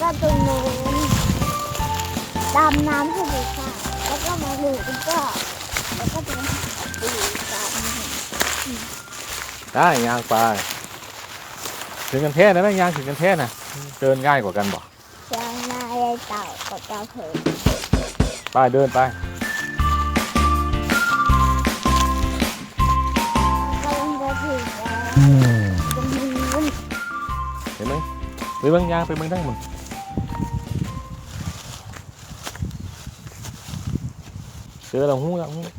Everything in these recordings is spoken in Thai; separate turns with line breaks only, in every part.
ก็ตรงโน้นดำน้ำให้ดูค่ะแล้วก็มาดูก็แล้วก็จะมาดูกัน
ได้ยางไปถึงกันแท้นะแม่ยางถึงกันแท้นะเดินง่ายกว่ากันบ่
ช้างนายเต่ากับเจ้าเผย
ไปเดินไป
กำลังจะถึงแล้วตรงนู้น
เห็นไหมไปเบิ่งยางไปเบิ่งได้หมดเจอแล้วหู้แล้วหู้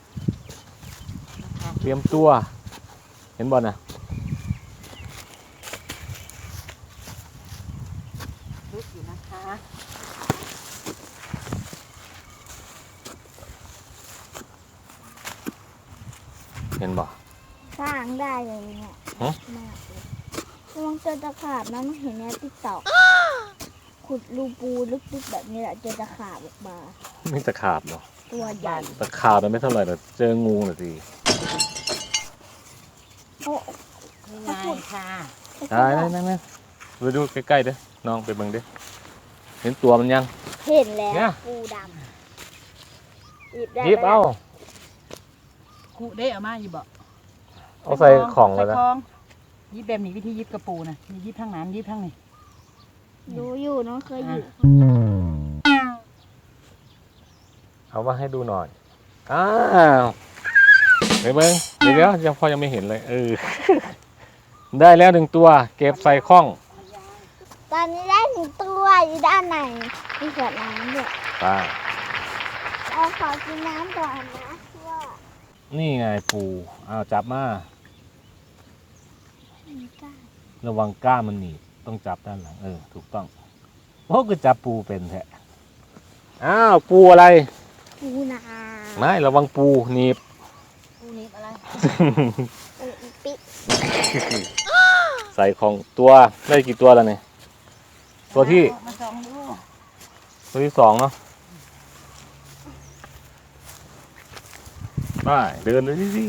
เตรียมตัวเห็นบอลนะ
ลึกอยู่นะคะ
เห็นบ่
สร้างได้เลยเนี่ย
ฮะ
มากเลยระวังเจอตะขาบนะมันเห็นในติ๊กต็อกขุดรูปูลึกๆแบบนี้แหละเจอตะขาบออกมา
ไม่ตะขาบเนาะ
ตัวใหญ่
ตะขาบมันไม่เท่าไหร่แต่เจองูน่ะสิ
โอ้
นี่ไงค่ะ
ได้นั่นไปดูใกล้ๆเด้อน้องไปเบิ่งเด้อเห็นตัวมันยัง
เห็นแล้ว
เนี่ย
ปูดำหยิบได้
หยิบเอา
คุได้เอามาอยู่บ่
เอาใส่ของเลยนะ
ใส่ของยิบแบบนี้วิธียิบกระปูนะมียิบทั้งนั้นยิบทั้งนี้
ดูอยู่น้องเคยอยู่
เอามาให้ดูหน่อยอ้าวไปเบิ่งเดี๋ยวยังพอยังไม่เห็นเลยได้แล้วหนึ่งตัวเก็บใส่ข้อง
ตอนนี้ได้ถึงตัวอยู่ด้านในมีขวดน้ำด้วย
ไป
เราขอกินน้ำก่อนนะว่า
นี่ไงปูเอาจับมา
มีก้า
ระวังก้ามันหนีบต้องจับด้านหลังถูกต้องโอ้ก็จับปูเป็นแท้อ้าวปูอะไร
ปูนา
ไม่ระวังปูหนีบ
ปูนิบอะไร
ปูอีปิ
ใส่ของตัวได้กี่ตัวแล้วเนี่ยตัวที่
มาสองดู
ตัวที่สองเนาะไปเดินเลยสิ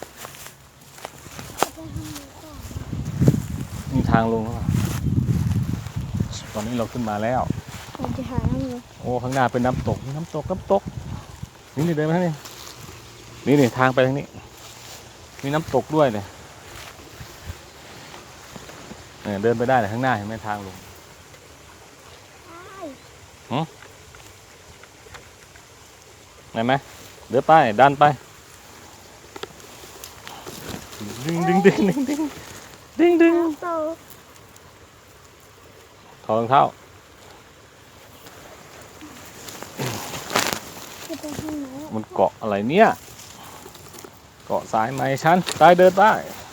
มีทางลงแล้วตอนนี้เราขึ้นมาแล้ว
เราจะหาน้ำเลย
โอ้ข้างหน้าเป็นน้ำตกนี่เดินมาทางนี้นี่ทางไปทางนี้มีน้ำตกด้วยเลยเดินไปได้เลยข้างหน้าเห็นไหมทางลงเห็นไหมเดินไปดันไปดึง
โต
ถอดรองเท้า
จะไปทางไหน
มันเกาะอะไรเนี่ยเกาะสายไหมฉันไปเดินไป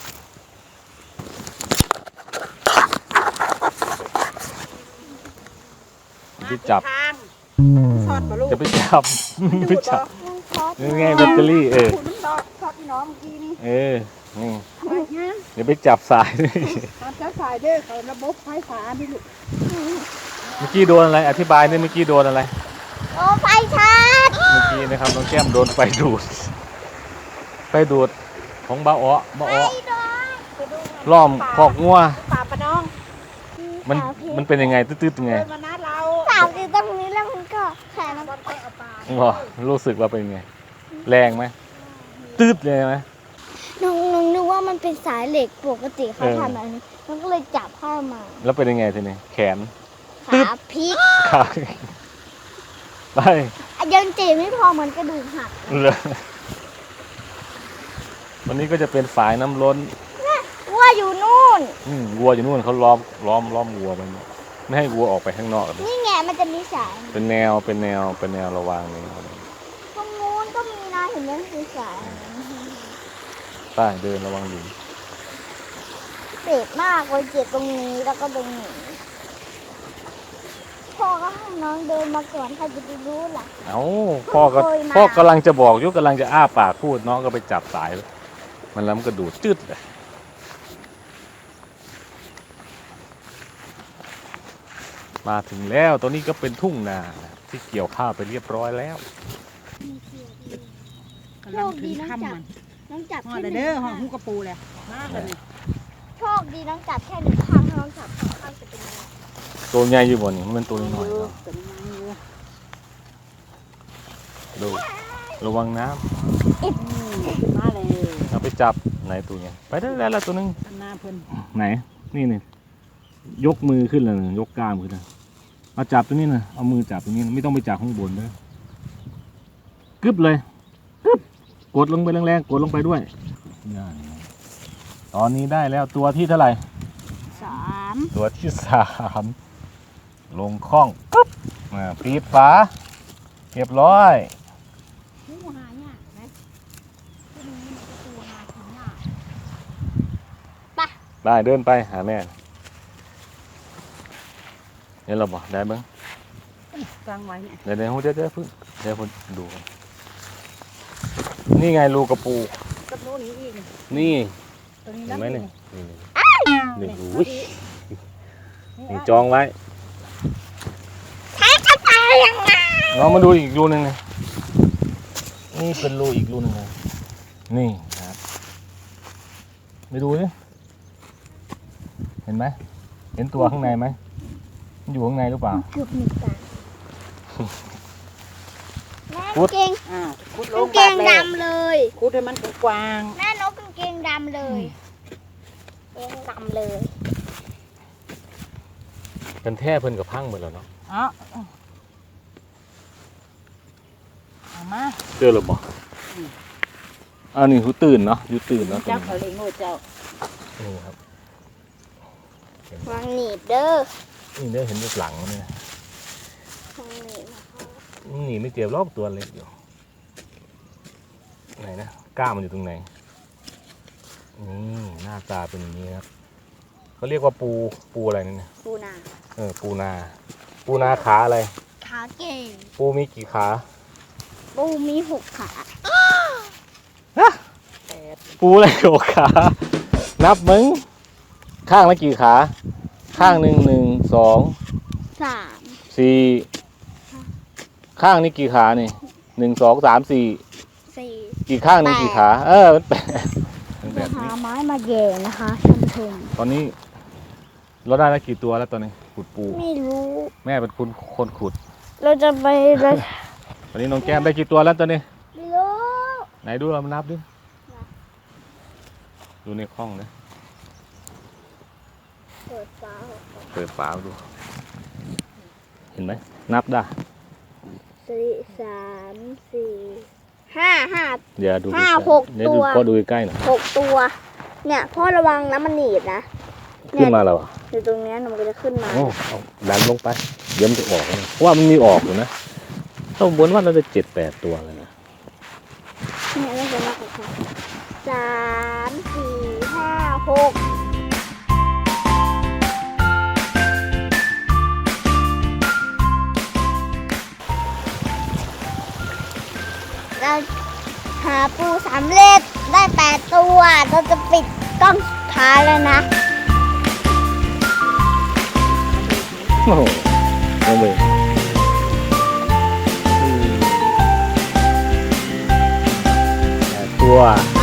ไปจับ
ทางช็อตบ่ลูก
จะไปจับไปจับ
ต้องช็อต
นี่ไงแบตเตอรี่
ขูดมันช็อตพี่น้องเมื่อกี้นี่
นี่
ทำไมฮะ
เดี๋ยวไปจับสายด้วย
ตามเจ้าสายเด้อเขาระบบไฟฟ้าดิลูก
เมื่อกี้โดนอะไรอธิบายนี่เมื่อกี้โดนอะไร
โอ้ไฟชาร์จ
เมื่อกี้นะครับน้องแก้มโดนไฟดูดของบ้าอ้อ
ไฟโดน
ล้อมคอกงัว
ป่าปะน้อง
มันเป็นยังไงตืดๆยังไง
เดินมานัดเรา
สาวอยู่ตรงนี้แล้วมันก็แขนมัน
บอลไปเอาปลา
อ๋อรู้สึกว่าเป็นยังไงแรงไหมตืดเลยไหม
น้องนึกว่ามันเป็นสายเหล็กปกติเขาทำแบบนี้มันก็เลยจับเข้ามา
แล้วเป็นยังไงทีนี้แขน
ขาพลิก
ขาไป
ยังเจ็บไม่พอเหมือนกระดูกหัก
เลยวันนี้ก็จะเป็นฝายน้ำล้น
ว่าอยู่นู่น
วัวอยู่นู่นเขาล้อมวัวไปไม่ให้วัวออกไปข้างนอก
นี่ไงมันจะมีสาย
เป็นแนวระวางนี่
ตรงนู้นก็มีนะเห็นไหมคือสาย
ไปเดินระวังดิน
เจ็บมากเลยเจ็บตรงนี้แล้วก็ตรงนี้พ่อก็ให้น้องเดินมาก่อนใครจะไปรู้ล่ะ
เอ้าพ่อกำลังจะบอกยุกำลังจะอ้าปากพูดน้องก็ไปจับสายมันแล้วมันก็ดูดจืดเลยมาถึงแล้วตอนนี้ก็เป็นทุ่งนาที่เกี่ยวข้าวไปเรียบร้อยแล้ว
กำลังถึงค่ำมัน
น้องจับ
ห่อ
แค่
เด้
ห
อ
นึ่ง
ห่อ
ข้าง
หูกระปูเลยมากเลย
โชคดีน้องจับแค่หนึ่งข้างถ้าน้องจับสองข้างจะเป็นยังไง
ตัวใหญ่อยู่บ่นี่มันเป็นตัวน้อยๆ
อยู่
เนาะ
ตัวนี้อยู่
ดูระวังน้
ขึ้นมาเลย
ำเอาไปจับไหนตัวใหญ่ไปได้แล้วตัวหนึง
หน้าเพิ่น
ไหนนี่ยกมือขึ้นเลยยกกล้ามขึ้นเลยมาจับตัวนี้นะเอามือจับตัวนี้นะไม่ต้องไปจับข้างบนเลยกึบเลยกึบกดลงไปแรงๆกดลงไปด้วยตอนนี้ได้แล้วตัวที่เท่าไหร่
3
ตัวที่3ลงคล้องกึบปิดฝาเรียบร้อย
ผู้หาเนี่ยนะที่นี่มันจะตัวหาถึงเนี่ย
ได้เดินไปหาแม่เนี่ยเราบอกได้บ้าง
กลางไว้เนี่ย
เดี๋ยวเดี๋ยวพึ่งเดี๋ยวผมดูก่อนนี่ไงรูกระปู
กับโน่นนี้อีก
นี่
ตัวนี้
เห็นไหมเนี่ยนี่
นี่
อุ้ยนี่จองไว้
จะตายยังไง
น้องมาดูอีกรูหนึ่งเลยนี่เป็นรูอีกรูหนึ่งเลยนี่ครับไปดูสิเห็นไหมเห็นตัวข้างในไหมมันอยู่ข้างในหรือเปล่า
เกือบหนึ่งตาแม่
พุด
เกง
ขุดล
กาง งเกงดำเลย
ขุดให้มันกว้าง
แม่นกกางเกงดำเลยเกงดำเลย
เป็นแท่เพิ่นกับพังหมดแล้วเนาะ
ๆเอามา
เจอหรือเปล่าอันนี้หูตื่นเนาะอยู่ตื่นเนาะ
เจ้าเขาเลยโง่เจ้า
นี่ครับ
วางหนีบเด้อ
นี่ได้เห็นรูปหลังมันเนี่ยว
างหนีบนะคะ
หนีไม่เจ็บรอบตัวเล็กอยู่ไหนนะกล้ามมันอยู่ตรงไหนนี่หน้าตาเป็นอย่างนี้ครับเขาเรียกว่าปูอะไรนั่นเนี่ย
ปูนา
ปูนาขาอะไร
ขาเก่ง
ปูมีกี่ขา
ปูมี6 ขา
แปด
ปูอะไรหกขา นับมึงข้างละกี่ขา ข้างหนึ่ง2
3
4ข้างนี้กี่ขานี่1 2 3 4
4
อีกข้างหนึงกี่ขามันแปดเป็นแบ
จะ
บ
หา
นี้
ไม้มาแย่นะคะท่านผู้ชม
ตอนนี้เราได้แล้วกี่ตัวแล้วตอนนี้ขุดปู
ไม่รู้
แม่เป็นคนขุด
เราจะไปเรา
ตอนนี้น้องแก้มได้กี่ตัวแล้วตอนนี้
ไม่รู้
ไหนดูเรามานับดิดูในคล้องนะ
เปิดฟ้า
เปิดฝาดู เห็นไหมนับได้
3 4 5
เดี๋ยวดู
ห้า
ใกล้ๆ
หก
เดี๋ยวดู
ตัว
พ่อดูใกล้ๆหน่อย
6 ตัว เนี่ยพ่อระวังนะมันหนีบนะ
ขึ้นมาแล้วอ่ะ
อยู่ตรงเนี้ยมันก็จะขึ้นมา
โอ้เอาดันลงไปเดี๋ยวมันจะออกนะเพราะว่ามันมีออกอยู่นะถ้าบนว่าเราจะ7-8 ตัวเลยนะ
เนี่ยเราจะนับค่ะ3 4 5 6เราหาปูสำเร็จได้8 ตัว เราจะปิดกล้องสุดท้ายแล้วนะ
โอ้โหลงไปตัว